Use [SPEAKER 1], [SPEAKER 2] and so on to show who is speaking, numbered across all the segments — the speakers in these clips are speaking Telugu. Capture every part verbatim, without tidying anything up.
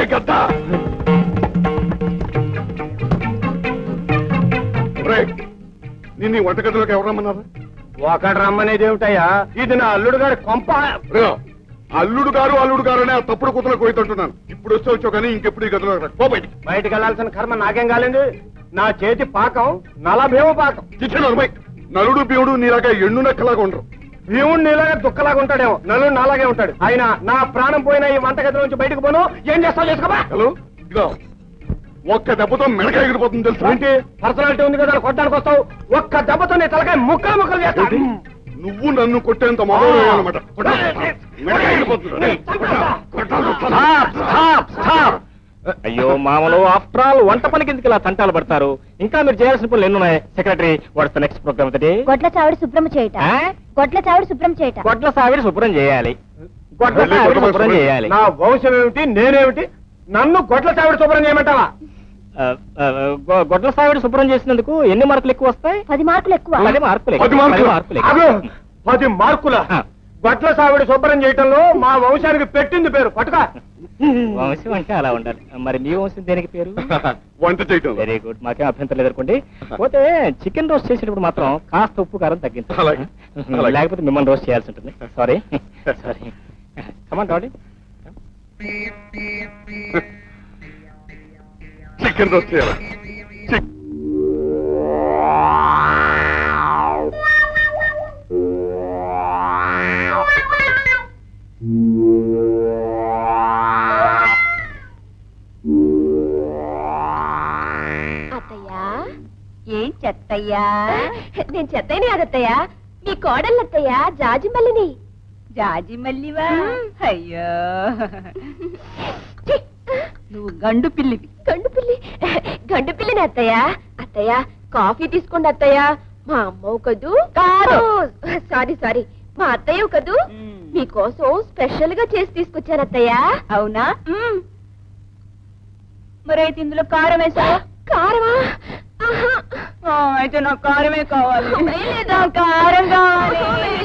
[SPEAKER 1] గద్ద నిన్ను వంటగదిలోకి ఎవరు రమ్మన్నారు?
[SPEAKER 2] ఒకటి రమ్మనేది ఏమిటయ్యా? ఇది నా అల్లుడు గారి కొంప.
[SPEAKER 1] అల్లుడు గారు అల్లుడు గారు అనే తప్పుడు కూతురు కోయితుంటున్నాను. ఇప్పుడు వస్తే వచ్చావు కానీ ఇంకెప్పుడు ఈ గదిలో బయటికి
[SPEAKER 2] బయటికి వెళ్లాల్సిన కర్మ నాకేం కాలేదు. నా చేతి పాకం నలభేమో పాకం.
[SPEAKER 1] నలుడు భీముడు నీలాగా ఎండు నక్కలాగా ఉండరు.
[SPEAKER 2] భీముడు నీలాగా దుక్కలాగా ఉంటాడేమో, నలుడు నాలాగే ఉంటాడు. ఆయన నా ప్రాణం పోయిన ఈ వంటగది నుంచి బయటకు పోను. ఏం చేస్తావు చేసుకోబా.
[SPEAKER 1] హలో ఇదో ఒక్క దెబ్బతో మెడకాయ ఎగిరిపోతుంది తెలుసు.
[SPEAKER 2] ఏంటి పర్సనాలిటీ ఉంది కదా కొట్టడానికి వస్తావు? ఒక్క దెబ్బతో నీ తలకాయ ముక్కలు ముక్కలు చేస్తావు.
[SPEAKER 1] నువ్వు నన్ను కొట్టేంత మొదలు అనమాట.
[SPEAKER 3] అయ్యో మామలు, ఆఫ్టర్ ఆల్ వంట పనికి ఎందుకు ఇలా తంటాలు పడతారు? ఇంకా మీరు చేయాల్సిన పనులు ఎన్నున్నాయి? Secretary, what's the next programme?
[SPEAKER 4] గొడ్ల చావిడి శుభ్రం చేయట. గొడ్ల చావిడి శుభ్రం చేయట.
[SPEAKER 3] గొడ్ల సావిడి శుభ్రం చేయాలి. గొడ్ల సావిడి శుభ్రం చేయాలి.
[SPEAKER 2] నా వంశం ఏమిటి, నేనేమిటి? నన్ను గొడ్ల చావిడి శుభ్రం చేయమంటావా?
[SPEAKER 3] గొడ్ల సావిడి శుభ్రం చేసినందుకు ఎన్ని మార్కులు ఎక్కువ వస్తాయి?
[SPEAKER 4] పది మార్కులు ఎక్కువ.
[SPEAKER 3] పది మార్కులు
[SPEAKER 2] పది మార్కుల గొడ్ల సావిడి శుభ్రం చేయటంలో మా వంశానికి పెట్టింది పేరు పట్టుక.
[SPEAKER 3] వంశం అంటే అలా ఉండాలి. మరి మీ వంశం దేనికి పేరు?
[SPEAKER 1] వంట చేయటం.
[SPEAKER 3] వెరీ గుడ్, మాకేం అభ్యంతరం లేదనుకోండి. పోతే చికెన్ రోస్ట్ చేసేటప్పుడు మాత్రం కాస్త ఉప్పు కారం తగ్గించాలి, లేకపోతే మిమ్మల్ని రోస్ట్ చేయాల్సి ఉంటుంది. Sorry sorry. Come on daddy.
[SPEAKER 1] Chicken roast చేయాలి.
[SPEAKER 4] అత్తయ్యా ఏం చెత్తయ్యా? నేను చెత్తయ్యని కాదత్తయ్యా, మీ కోడళ్ళత్తయ్యా జాజిమల్లిని. జాజిమల్లివా? అయ్యో నువ్వు గండు పిల్లివి. గండు పిల్లి గండు పిల్లిని అత్తయ్యా. అత్తయ్య కాఫీ తీసుకోండి అత్తయ్య. మా అమ్మవు కదూ? కాదు, సారీ సారీ, మా అత్తయ్య కదూ. మీకోసం స్పెషల్ గా చేసి తీసుకొచ్చాను అత్తయ్య. అవునా? మరైతే ఇందులో కారం వేసావా? కారమా? అయితే నాకు కారమే కావాలి. కారం కావాలి.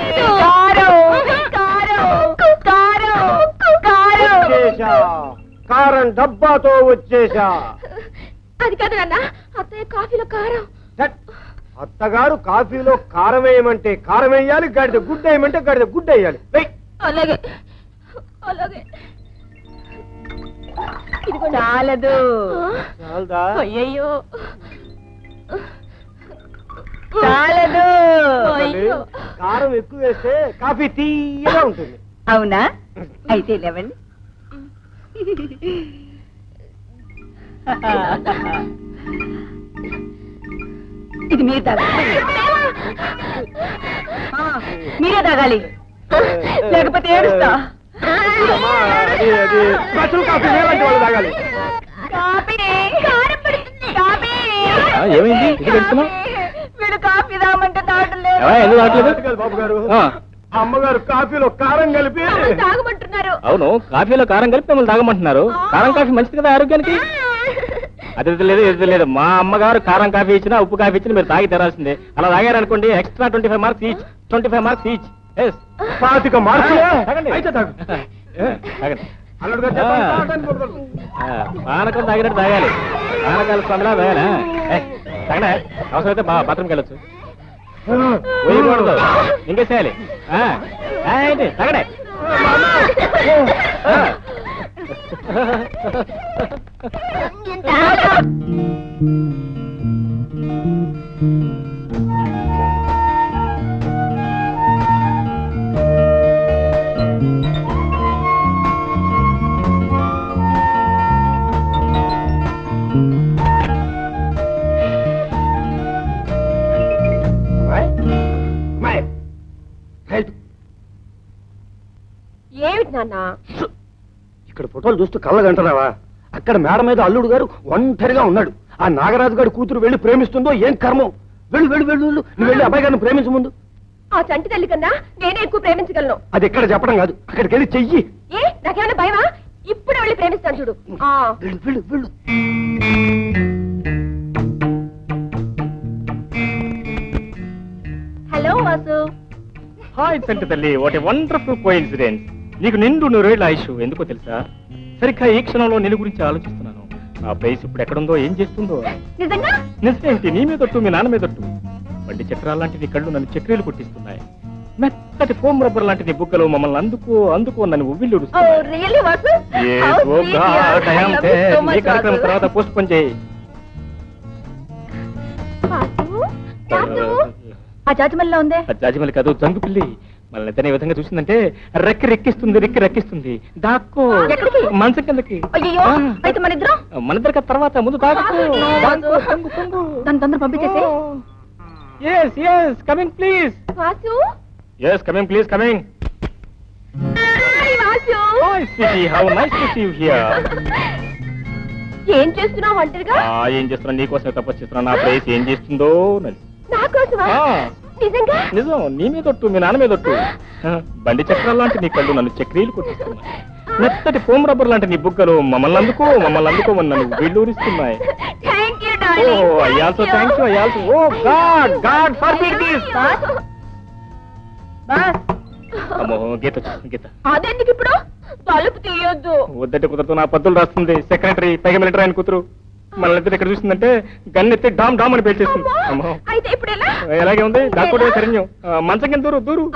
[SPEAKER 2] కారం డబ్బాతో వచ్చేసా.
[SPEAKER 4] అది కాదు నాన్న, అత్తయ్య కాఫీలో కారం.
[SPEAKER 2] అత్తగారు కాఫీలో కారం వేయమంటే కారం వేయాలి, గడిద గుడ్డ వేయమంటే గడిద గుడ్డ వేయాలి.
[SPEAKER 4] అలాగే అలాగే. చాలదు.
[SPEAKER 2] చాలదా?
[SPEAKER 4] అయ్యయ్యో చాలదు.
[SPEAKER 2] కారం ఎక్కువ వేస్తే కాఫీ తీయగా ఉంటుంది.
[SPEAKER 4] అవునా? అయితే లేవండి. ఇది మీరు తాగాలి. మీరే తాగాలి, లేకపోతే ఏడుస్తా.
[SPEAKER 2] తాగాలి.
[SPEAKER 3] ఏమైంది?
[SPEAKER 4] వీడు కాఫీ తాగమంటే తాగట్లేదు.
[SPEAKER 3] ఎందుకు తాగట్లేదు?
[SPEAKER 2] బాబు గారు, అమ్మగారు కాఫీలో కారం కలిపి
[SPEAKER 4] తాగమంటున్నారు.
[SPEAKER 3] అవును, కాఫీలో కారం కలిపి మిమ్మల్ని తాగమంటున్నారు. కారం కాఫీ మంచిది కదా ఆరోగ్యానికి. అది లేదు ఇది లేదు. మా అమ్మగారు కారం కాఫీ ఇచ్చినా ఉప్పు కాఫీ ఇచ్చినా మీరు తాగి తెరాల్సిందే. అలా తాగారనుకోండి extra twenty five marks each. Twenty five marks each.
[SPEAKER 2] పాతిక మార్కులు.
[SPEAKER 3] పానకం తాగినట్టు తాగాలి. పానకాల స్వామిలా తాగాలి. తగనే అవసరమైతే బా బాత్రూమ్కి వెళ్ళొచ్చు. పోయకూడదు, ఇంకేసేయాలి. తగడే.
[SPEAKER 4] ఏమిటి నాన్న?
[SPEAKER 2] ఇక్కడ ఫోటోలు చూస్తూ కళ్ళగంటున్నావా? అక్కడ మేడ మీద అల్లుడు గారు ఒంటరిగా ఉన్నాడు. ఆ నాగరాజు గారి కూతురు వెళ్ళి ప్రేమిస్తుందో ఏం కర్మం. వెళ్ళు వెళ్ళు వెళ్ళు వెళ్ళు నువ్వు వెళ్ళి అబ్బాయి గారిని ప్రేమించు ముందు.
[SPEAKER 4] ఆ చంటి తల్లి కన్నా నేనే ఎక్కువ ప్రేమించగలను.
[SPEAKER 2] అది ఎక్కడ చెప్పడం కాదు, అక్కడికి వెళ్ళి చెయ్యి.
[SPEAKER 4] ఏ నాకేమైనా భయమా? ఇప్పుడు వెళ్ళి ప్రేమిస్తాను చూడు.
[SPEAKER 2] వెళ్ళు వెళ్ళు వెళ్ళు.
[SPEAKER 4] హలో వాసు.
[SPEAKER 3] హాయ్ చంటి తల్లి, వాట్ ఏ వండర్ఫుల్ కోఇన్సిడెన్స్. నీకు నిండు నూరేళ్ల ఆయుష్. ఎందుకో తెలుసా? సరిగ్గా ఈ క్షణంలో నేను గురించి ఆలోచిస్తున్నాను. ఆ ప్లేస్ ఇప్పుడు ఎక్కడుందో, ఏం చేస్తుందో.
[SPEAKER 4] నిజంగా
[SPEAKER 3] నిజమేంటి, నీ మీదొట్టు, మీ నాన్న మీదొట్టు. బండి చక్రాలు లాంటి నీ కళ్ళు నన్ను చక్రీలు కొట్టిస్తున్నాయి. మెత్తటి ఫోమ్ రబ్బర్ లాంటి నీ బుగ్గలు మమ్మల్ని అందుకో అందుకో నన్ను ఉవ్విళ్ళు కార్యక్రమం తర్వాత పోస్ట్ పోన్ చేయి.
[SPEAKER 4] ఆ జాజిమల్లిలో ఉందే.
[SPEAKER 3] జాజిమల్లి కాదు, జంగు పిల్లి. మళ్ళీ ఇతనే విధంగా చూసిందంటే రెక్కి రెక్కిస్తుంది, రెక్కి రెక్కిస్తుంది. దాక్కో మనసు కిందకి.
[SPEAKER 4] అయితే మన ఇద్దరం
[SPEAKER 3] మన ఇద్దరికి తర్వాత ముందు దాక్కో.
[SPEAKER 4] దాని తొందర పంపించేసి.
[SPEAKER 3] Yes, yes, coming please.
[SPEAKER 4] Vasu.
[SPEAKER 3] Yes, coming please, coming.
[SPEAKER 4] Hi, Vasu.
[SPEAKER 3] Hi, sweetie, how nice to see you here.
[SPEAKER 4] ఏం చేస్తున్నావు ఒంటరిగా?
[SPEAKER 3] ఆ ఏం చేస్తున్నా, నీకోసమే తపస్సు చేస్తున్నా. నా ప్లేస్ ఏం చేస్తుందో నది.
[SPEAKER 4] నా కోసమా? నిజంగా?
[SPEAKER 3] నిజం, నీ మీదొట్టు, మీ నాన్న మీదొట్టు. బండి చక్రాలు లాంటి నీ కళ్ళు నన్ను చక్రీలు కొట్టిస్తున్నాయి. మెత్తటి ఫోమ్ రబ్బర్ లాంటి నీ బుగ్గలు మమ్మల్ని అందుకో మమ్మల్ని అందుకోమని నన్ను వీళ్ళూరిస్తున్నాయి.
[SPEAKER 4] Thank you darling.
[SPEAKER 3] Oh, I also thank you, I also. Oh God, God forbid this.
[SPEAKER 4] బస్.
[SPEAKER 3] అమ్మో, గీత వచ్చేసింది, గీత.
[SPEAKER 4] అదెందుకు ఇప్పుడు? తలుపు తీయొద్దు.
[SPEAKER 3] వద్దంటే కుదరదు, నా పద్దులు రాస్తుంది. సెక్రటరీ, పైగా మిలిటరీ ఆయన కూతురు. మన ఇద్దరు ఇక్కడ చూసిందంటే గన్నెత్తి డామ్ డామ్ అని పేల్చేస్తుంది. అమ్మో,
[SPEAKER 4] అయితే ఇప్పుడు ఎలా?
[SPEAKER 3] ఎలాగే ఉంది, దాక్కోటే సరిన్యం. మంచం కింద దూరు, దూరు.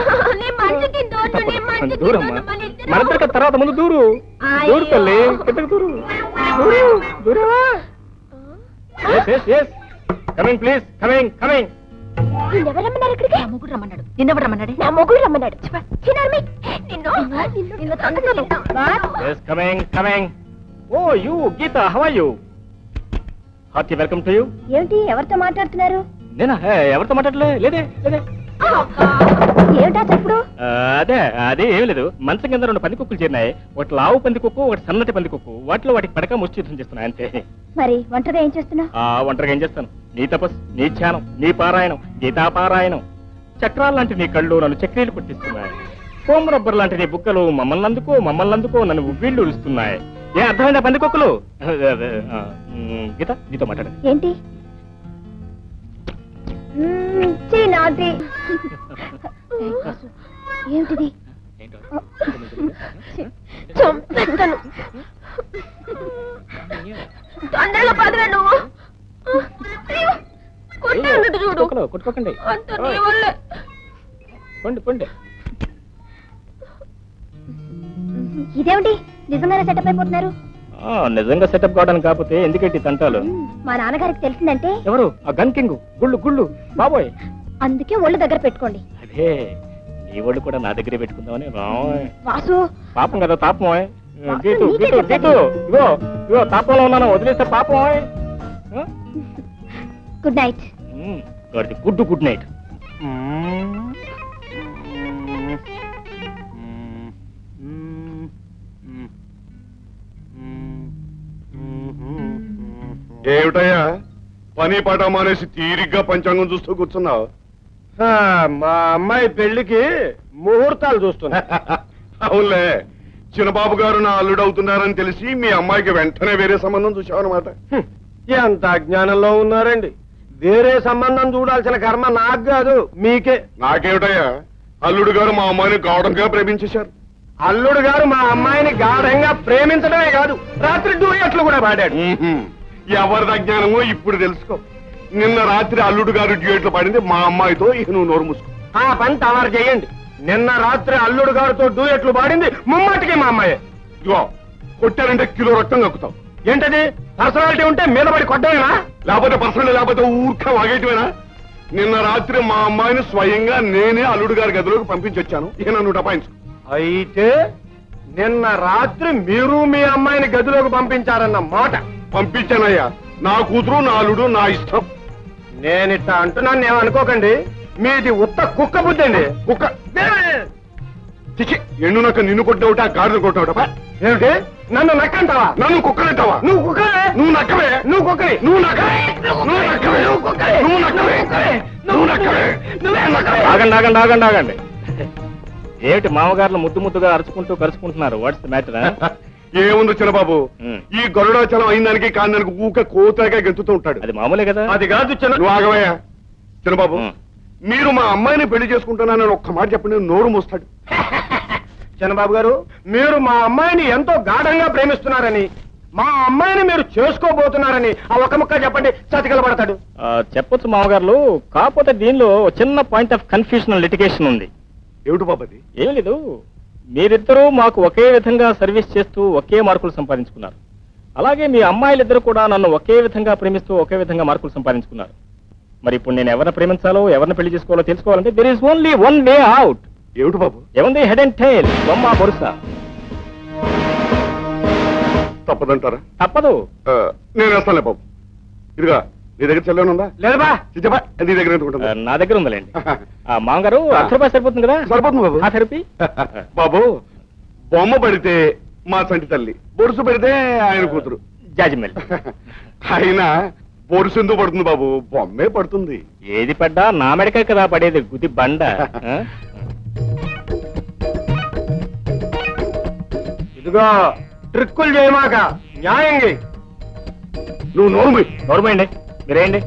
[SPEAKER 3] దూరమ్మా, మన ఇద్దరికి తర్వాత ముందు దూరు. దూరు తల్లి, కిందకి దూరు. దూరు, దూరవా? Yes, yes, yes. Coming, please. Coming, coming.
[SPEAKER 4] నిన్నెవరు రమ్మన్నారు ఇక్కడికి? నా మొగుడు రమ్మన్నాడు. నిన్నెవరు రమ్మన్నాడు? నా మొగుడు రమ్మన్నాడు. చిన్నారమి, నిన్ను నిన్ను తొందరగా.
[SPEAKER 3] Yes, coming, coming. Oh, you, Geeta, how are you? Hearty welcome to you.
[SPEAKER 4] ఏమిటి, ఎవరితో మాట్లాడుతున్నారు?
[SPEAKER 3] నేనా? ఎవరితో మాట్లాడలే, లేదే, లేదే.
[SPEAKER 4] ఏమిటా చెప్పుడు?
[SPEAKER 3] అదే అదే ఏం లేదు. మంచం కింద రెండు పంది కుక్కలు చేరినాయి. ఒకటి లావు పంది కుక్కు, ఒకటి సన్నటి పంది కుక్కు. వాటిలో వాటికి పడక ముష్టి యుద్ధం చేస్తున్నాయి అంతే.
[SPEAKER 4] మరి ఒంటరిగా ఏం చేస్తున్నావు?
[SPEAKER 3] ఆ ఒంటరిగా ఏం చేస్తాను? నీ తపస్సు, నీ ధ్యానం, నీ పారాయణం, గీతా పారాయణం. చక్రాలు లాంటి నీ కళ్ళు నన్ను చక్రీలు కొట్టిస్తున్నాయి. ఫోమ్ రబ్బర్ లాంటి నీ బుక్కలు మమ్మల్ని అందుకో మమ్మల్ని అందుకో నన్ను ఉవ్విళ్ళు ఉరుస్తున్నాయి. ఏ అర్థమైందా పంది కుక్కలు? గీత, నీతో మాట్లాడ.
[SPEAKER 4] ఏంటి? నాది ఏమిటిది? చంపేస్తాను. తొందరగా పదరా నువ్వు. కొట్టాడు చూడు.
[SPEAKER 3] కొట్టుకోకండి.
[SPEAKER 4] అంత నీ వల్లే.
[SPEAKER 3] పండి పండి.
[SPEAKER 4] ఇదేమిటి, నిజంగానే సెటప్ అయిపోతున్నారు?
[SPEAKER 3] నిజంగా సెటప్ కావడానికి కాకపోతే ఎందుకంటే తంటాలు?
[SPEAKER 4] మా నాన్నగారికి తెలిసిందంటే.
[SPEAKER 3] ఎవరు? ఆ గన్ కింగ్, గుళ్ళు గుళ్ళు బాబోయ్.
[SPEAKER 4] అందుకే ఒళ్ళు దగ్గర పెట్టుకోండి.
[SPEAKER 3] అదే, నీ ఒళ్ళు కూడా నా దగ్గరే పెట్టుకుందామని.
[SPEAKER 4] వాసు,
[SPEAKER 3] పాపం కదా, తాపం. గీతు గీతు గీతు, ఇగో ఇగో తాపంలో ఉన్నాను, వదిలేస్తే పాపం.
[SPEAKER 4] Good night.
[SPEAKER 3] Good good night.
[SPEAKER 1] ఏమిటయ్యా పని పాట మానేసి తీరిగ్గా పంచాంగం చూస్తూ కూర్చున్నావు?
[SPEAKER 2] మా అమ్మాయి పెళ్లికి ముహూర్తాలు చూస్తున్నా.
[SPEAKER 1] అవునులే, చిన్నబాబు గారు నా అల్లుడు అవుతున్నారని తెలిసి మీ అమ్మాయికి వెంటనే వేరే సంబంధం చూసావన్నమాట.
[SPEAKER 2] ఎంత అజ్ఞానంలో ఉన్నారండి. వేరే సంబంధం చూడాల్సిన కర్మ నాకు కాదు, మీకే.
[SPEAKER 1] నాకేమిటయ్యా, అల్లుడు గారు మా అమ్మాయిని గాఢంగా ప్రేమించేశారు.
[SPEAKER 2] అల్లుడు గారు మా అమ్మాయిని గాఢంగా ప్రేమించడమే కాదు, రాత్రి డూయట్లు కూడా పాడాడు.
[SPEAKER 1] ఎవరిది అజ్ఞానమో ఇప్పుడు తెలుసుకో. నిన్న రాత్రి అల్లుడు గారు డ్యూయట్లు పాడింది మా అమ్మాయితో. ఇక నువ్వు నోరు మూసుకో.
[SPEAKER 2] ఆ పని తమరు చేయండి. నిన్న రాత్రి అల్లుడు గారితో డూయట్లు పాడింది ముమ్మాటికి మా అమ్మాయే.
[SPEAKER 1] ఇగో, కొట్టారంటే కిలో రక్తం కక్కుతావు.
[SPEAKER 2] ఏంటది? పర్సనాలిటీ ఉంటే మీద పడి కొట్టమేనా?
[SPEAKER 1] లేకపోతే పర్సనల్, లేకపోతే ఊరిక వాగేయటమేనా? నిన్న రాత్రి మా అమ్మాయిని స్వయంగా నేనే అల్లుడు గారి గదిలోకి పంపించి వచ్చాను. ఇక నన్ను డపాయించు.
[SPEAKER 2] అయితే నిన్న రాత్రి మీరు మీ అమ్మాయిని గదిలోకి పంపించారన్న మాట.
[SPEAKER 1] పంపించానయ్యా. నా కూతురు, నా అల్లుడు, నా ఇష్టం.
[SPEAKER 2] నేనిట్ట అంటున్నాను ఏమనుకోకండి. మీది ఉత్త కుక్క బుద్ధి అండి.
[SPEAKER 1] కుక్క చిచి, ఎండు నక్క నిన్ను కొట్టినవుట, గాడిని కొట్టినవుట.
[SPEAKER 2] ఏమిటి, నన్ను నక్కంటావా?
[SPEAKER 1] నన్ను కుక్కనంటావా?
[SPEAKER 2] నువ్వు కుక్కవే.
[SPEAKER 1] నువ్వు నక్కవే.
[SPEAKER 2] నువ్వు కుక్కవి.
[SPEAKER 1] నువ్వు నక్కవే. నువ్వు నక్కవే. నువ్వు కుక్కవే. నువ్వు నక్కవే. నువ్వు నక్కవే. నువ్వే నక్కవే.
[SPEAKER 3] ఆగండి ఆగండి ఆగండి ఆగండి. ఏమిటి మామగారులు ముద్దు ముద్దుగా అరుచుకుంటూ కరుచుకుంటున్నారు? What's the matter?
[SPEAKER 1] ఏముంది చిన్నబాబు, ఈ గరుడాచలం అయిందానికి కాందానికి ఊక కోతగా గెంతుతూ ఉంటాడు.
[SPEAKER 3] అది మామూలే కదా.
[SPEAKER 2] అది కాదు చిన్న.
[SPEAKER 1] నువ్వు ఆగవయ్యా. చిన్నబాబు, మీరు మా అమ్మాయిని పెళ్లి చేసుకుంటున్నానని ఒక్క మాట చెప్పండి, నోరు మోస్తాడు.
[SPEAKER 2] చిన్నబాబు గారు, మీరు మా అమ్మాయిని ఎంతో గాఢంగా ప్రేమిస్తున్నారని, మా అమ్మాయిని మీరు చేసుకోబోతున్నారని ఆ ఒక ముక్క చెప్పండి, చతికిలబడతాడు.
[SPEAKER 3] చెప్పొచ్చు మామగారు, కాకపోతే దీనిలో చిన్న పాయింట్ ఆఫ్ కన్ఫ్యూషన్ లిటిగేషన్ ఉంది.
[SPEAKER 1] ఏమిటి బాబది?
[SPEAKER 3] ఏం లేదు, మీరిద్దరూ మాకు ఒకే విధంగా సర్వీస్ చేస్తూ ఒకే మార్కులు సంపాదించుకున్నారు. అలాగే మీ అమ్మాయిలిద్దరూ కూడా నన్ను ఒకే విధంగా ప్రేమిస్తూ ఒకే విధంగా మార్కులు సంపాదించుకున్నారు. మరి ఇప్పుడు నేను ఎవరిని ప్రేమించాలో ఎవరిని పెళ్లి చేసుకోవాలో తెలుసుకోవాలంటే there is only one way out.
[SPEAKER 1] ఏమిటి బాబు?
[SPEAKER 3] ఏముంది, హెడ్ అండ్ టైల్, బొమ్మ బొరుస.
[SPEAKER 1] తప్పదంటారా?
[SPEAKER 3] తప్పదు.
[SPEAKER 1] ఆ, నేను వేస్తానులే బాబు. ఇదిగా నీ దగ్గర చెల్లెనుందా?
[SPEAKER 2] లేదబా.
[SPEAKER 1] చిచ్చబా, నీ దగ్గర ఎందుకుంటుందా?
[SPEAKER 3] నా దగ్గర ఉందిలేండి. ఆ, మామగారు అర్ధ రూపాయలు సరిపోతుంది కదా?
[SPEAKER 1] సరిపోతుంది బాబు.
[SPEAKER 3] ఆ థెరపీ
[SPEAKER 1] బాబు, బొమ్మ పడితే మా సంటి తల్లి, బొరుసు పడితే ఆయన కూతురు.
[SPEAKER 3] జాజిమెల్.
[SPEAKER 1] అయినా బొరుసు ఎందుకు పడుతుంది బాబు? బొమ్మే పడుతుంది.
[SPEAKER 3] ఏది పడ్డా నా మెడకే కదా పడేది, గుది బండ. ఆ?
[SPEAKER 2] ఇదిగో ట్రిక్కులు చేయమాక, న్యాయం చేయి.
[SPEAKER 1] నువ్వు నోరుమి.
[SPEAKER 3] నోరుమేయండి, మీరేయండి.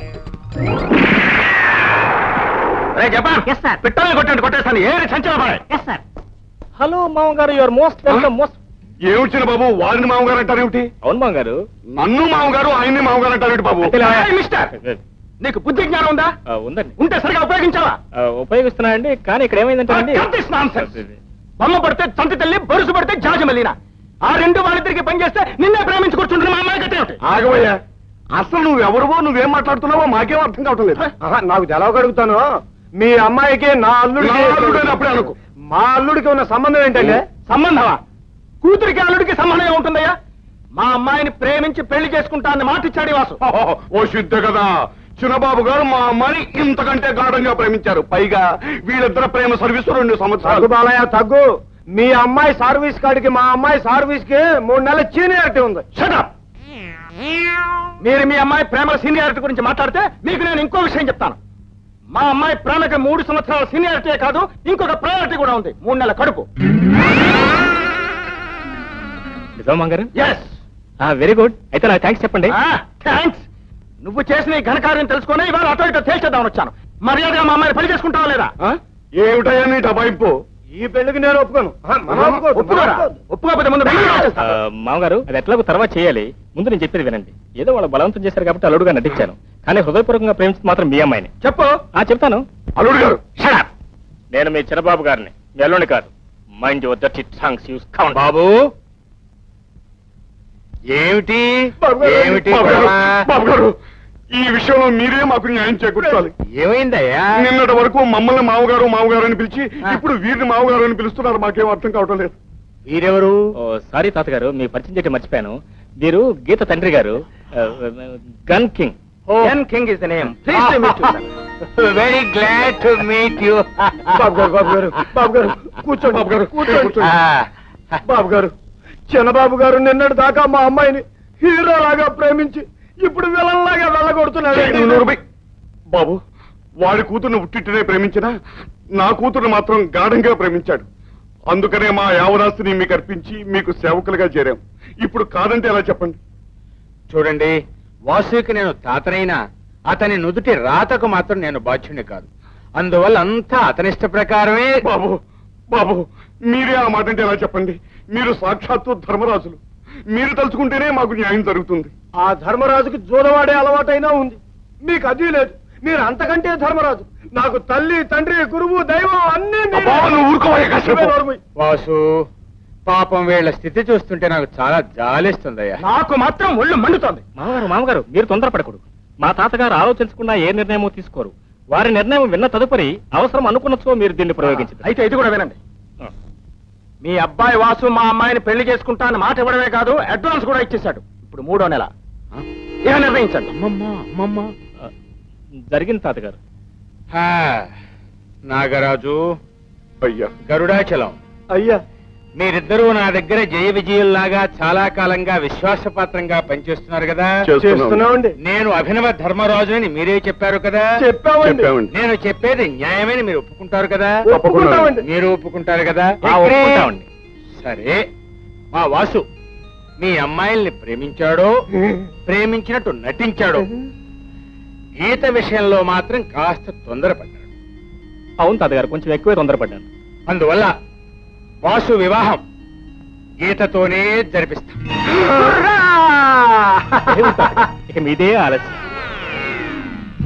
[SPEAKER 2] పిట్టలు కొట్టండి, కొట్టేస్తాను. ఏది సంచలన.
[SPEAKER 3] హలో మామగారు, యువర్ మోస్ట్ వెల్కమ్. మోస్ట్
[SPEAKER 1] ఏమిచ్చిన బాబు? వారిని మామగారు అంటారేమిటి?
[SPEAKER 3] అవును మామగారు.
[SPEAKER 1] నన్ను మామగారు, ఆయన్ని మామగారు అంటారేమిటి బాబు?
[SPEAKER 2] మిస్టర్, నీకు బుద్ధి జ్ఞానం ఉందా?
[SPEAKER 3] ఆ, ఉందండి.
[SPEAKER 2] ఉంటే సరిగా ఉపయోగించావా?
[SPEAKER 3] ఆ, ఉపయోగిస్తున్నానండి, కానీ ఇక్కడ ఏమైందంటే అండి,
[SPEAKER 2] బొమ్మ పడితే తంతి తల్లి, బొరుసు పడితే జాజమల్లినా, ఆ రెండు వాళ్ళిద్దరికి పనిచేస్తే నిన్నే ప్రేమించి కూర్చుంటున్న మా అమ్మాయి కట్టే.
[SPEAKER 1] ఆగవయ్యా, అసలు నువ్వెవరువో నువ్వేం మాట్లాడుతున్నావో మాకేం అర్థం కావటం లేదు.
[SPEAKER 2] నాకు తెలవగడుగుతాను. మీ అమ్మాయికి నా అల్లుడికి
[SPEAKER 1] నా అల్లుడని అప్పుడే అనుకో.
[SPEAKER 2] మా అల్లుడికి ఉన్న సంబంధం ఏంటంటే? సంబంధమా? కూతురికి అల్లుడికి సంబంధం ఏముంటుందయ్యా? మా అమ్మాయిని ప్రేమించి పెళ్లి చేసుకుంటా అని మాట ఇచ్చాడు ఈ వాసు.
[SPEAKER 1] ఓ సిద్ధ కదా, చిన్నబాబు గారు మా అమ్మాయిని ఇంతకంటే గాఢంగా ప్రేమించారు. పైగా వీళ్ళిద్దరు ప్రేమ సర్వీసు రెండు
[SPEAKER 2] తగ్గు
[SPEAKER 1] సంవత్సరాలు.
[SPEAKER 2] బాలయ్య తగ్గు. మీ అమ్మాయి సర్వీస్ కాడికి మా అమ్మాయి సర్వీస్ కి మూడు నెలల సీనియారిటీ ఉంది. షటప్. మీరు మీ అమ్మాయి ప్రేమల సీనియారిటీ గురించి మాట్లాడితే మీకు నేను ఇంకో విషయం చెప్తాను. మా అమ్మాయి ప్రేమకి మూడు సంవత్సరాల సీనియారిటీ కాదు, ఇంకొక ప్రయారిటీ కూడా ఉంది. మూడు నెలల కడుపు.
[SPEAKER 3] నిజమా మామగారు?
[SPEAKER 2] ఎస్.
[SPEAKER 3] Very good. అయితే నాకు థ్యాంక్స్ చెప్పండి.
[SPEAKER 2] థ్యాంక్స్. నువ్వు చేసిన ఈ ఘనకార్యం తెలుసుకుని ఇవాళ అటో ఇటో తేల్చేద్దామని వచ్చాను. మర్యాదగా మా అమ్మాయిని పెళ్లి చేసుకుంటావా లేదా?
[SPEAKER 1] ఆ? ఏమిటయ్యా నీ డబాయింపు?
[SPEAKER 2] ఈ పెళ్లికి నేను ఒప్పుకోను. ఒప్పుకోకపోతే ముందు
[SPEAKER 3] ఆ, మామగారు, అది ఎట్లాగో తర్వాత చేయాలి. ముందు నేను చెప్పేది వినండి. ఏదో వాళ్ళు బలవంతం చేశారు కాబట్టి అల్లుడుగా నటించాను, కానీ హృదయపూర్వకంగా ప్రేమించింది మాత్రం మీ అమ్మాయిని.
[SPEAKER 2] చెప్పు.
[SPEAKER 3] ఆ చెప్తాను.
[SPEAKER 1] అల్లుడు గారు,
[SPEAKER 3] Shut up. నేను మీ చిన్నబాబు గారిని, మీ అల్లుడిని కాదు. Mind your dirty tongues use count.
[SPEAKER 2] బాబు ఏమిటి ఏమిటి
[SPEAKER 1] బాబు గారు, బాబు గారు, ఈ విషయంలో మీరే మాకు న్యాయం చేకూర్చాలి.
[SPEAKER 2] ఏమైందయ్యా?
[SPEAKER 1] నిన్నటి వరకు మమ్మల్ని మామగారు మామగారు అని పిలిచి ఇప్పుడు వీరిని మామగారు అని పిలుస్తున్నారు. మాకేం అర్థం కావటం లేదు.
[SPEAKER 2] వీరెవరు?
[SPEAKER 3] ఓ సారీ తాతగారు, మీ పరిచయం చేయడం మర్చిపోయాను. మీరు గీత తండ్రి గారు, gun king.
[SPEAKER 2] Ken King is the name. Pleased to meet you, sir. Very glad to meet you. బాబు గారు, బాబు గారు, బాబు గారు, కూర్చోండి. బాబు గారు, కూర్చోండి. బాబు గారు, చిన్నబాబు గారు నిన్నటి దాకా మా అమ్మాయిని హీరో లాగా ప్రేమించి ఇప్పుడు విలన్ లాగా వెళ్ళగొడుతున్నాడు.
[SPEAKER 1] బాబు, వాడి కూతుర్ని ఉట్టినే ప్రేమించినా నా కూతురు మాత్రం గాఢంగా ప్రేమించాడు. అందుకనే మా యావరాస్తిని మీకు అర్పించి మీకు సేవకులుగా చేరాం. ఇప్పుడు కాదంటే ఎలా చెప్పండి?
[SPEAKER 5] చూడండి, వాసుకి నేను తాతనైనా అతని నుదుటి రాతకు మాత్రం నేను బాధ్యుని కాదు. అందువల్ల అంతా అతనిష్ట ప్రకారమే.
[SPEAKER 1] బాబు, బాబు, మీరే ఆ మాట అంటే ఎలా చెప్పండి? మీరు సాక్షాత్తు ధర్మరాజులు. మీరు తలుచుకుంటేనే మాకు న్యాయం జరుగుతుంది.
[SPEAKER 2] ఆ ధర్మరాజుకి జూదవాడే అలవాటైనా ఉంది, మీకు అది లేదు. మీరు అంతకంటే ధర్మరాజు. నాకు తల్లి, తండ్రి, గురువు, దైవం అన్ని మీరే.
[SPEAKER 1] అబ్బా, నువ్వు ఊరుకోవయ్యా కాసేపు.
[SPEAKER 5] వాసు, పాపం వీళ్ళ స్థితి చూస్తుంటే నాకు చాలా జాలిస్తుందయ్యా.
[SPEAKER 2] నాకు మాత్రం ఒళ్ళు మండుతోంది.
[SPEAKER 3] మామగారు, మామగారు, మీరు తొందరపడకూడదు. మా తాతగారు ఆలోచించకుండా ఏ నిర్ణయమో తీసుకోరు. వారి నిర్ణయం విన్న తదుపరి అవసరం అనుకున్నచో మీరు దీన్ని ప్రయోగించారు.
[SPEAKER 2] అయితే ఇది కూడా వినండి. మీ అబ్బాయి వాసు మా అమ్మాయిని పెళ్లి చేసుకుంటా అని మాట ఇవ్వడమే కాదు, అడ్వాన్స్ కూడా ఇచ్చేశాడు. ఇప్పుడు మూడో నెల. ఏం నిర్ణయించండి.
[SPEAKER 5] అమ్మమ్మ అమ్మమ్మ
[SPEAKER 3] జరిగింది తాతగారు.
[SPEAKER 5] హా, నాగరాజు,
[SPEAKER 1] అయ్యా,
[SPEAKER 5] గరుడాచలం,
[SPEAKER 2] అయ్యా,
[SPEAKER 5] మీరిద్దరూ నా దగ్గర జయ విజయుల్లాగా చాలా కాలంగా విశ్వాసపాత్రంగా పనిచేస్తున్నారు కదా.
[SPEAKER 2] చేస్తున్నామండి.
[SPEAKER 5] నేను అభినవ ధర్మరాజుని మీరే చెప్పారు కదా.
[SPEAKER 2] చెప్పామండి.
[SPEAKER 1] చెప్పామండి.
[SPEAKER 5] నేను చెప్పేది న్యాయమని మీరు ఒప్పుకుంటారు కదా.
[SPEAKER 2] ఒప్పుకుంటామండి.
[SPEAKER 5] మీరు ఒప్పుకుంటారు కదా.
[SPEAKER 3] ఆ, ఒప్పుకుంటామండి.
[SPEAKER 5] సరే, మా వాసు మీ అమ్మాయిల్ని ప్రేమించాడో ప్రేమించినట్టు నటించాడో, గీత విషయంలో మాత్రం కాస్త తొందరపడ్డాడు.
[SPEAKER 3] అవును తాతగారు, కొంచెం ఎక్కువే తొందరపడ్డాను.
[SPEAKER 5] అందువల్ల వాసు వివాహం గీతతోనే జరిపిస్తాం.
[SPEAKER 3] ఇక మీదే ఆలస్యం.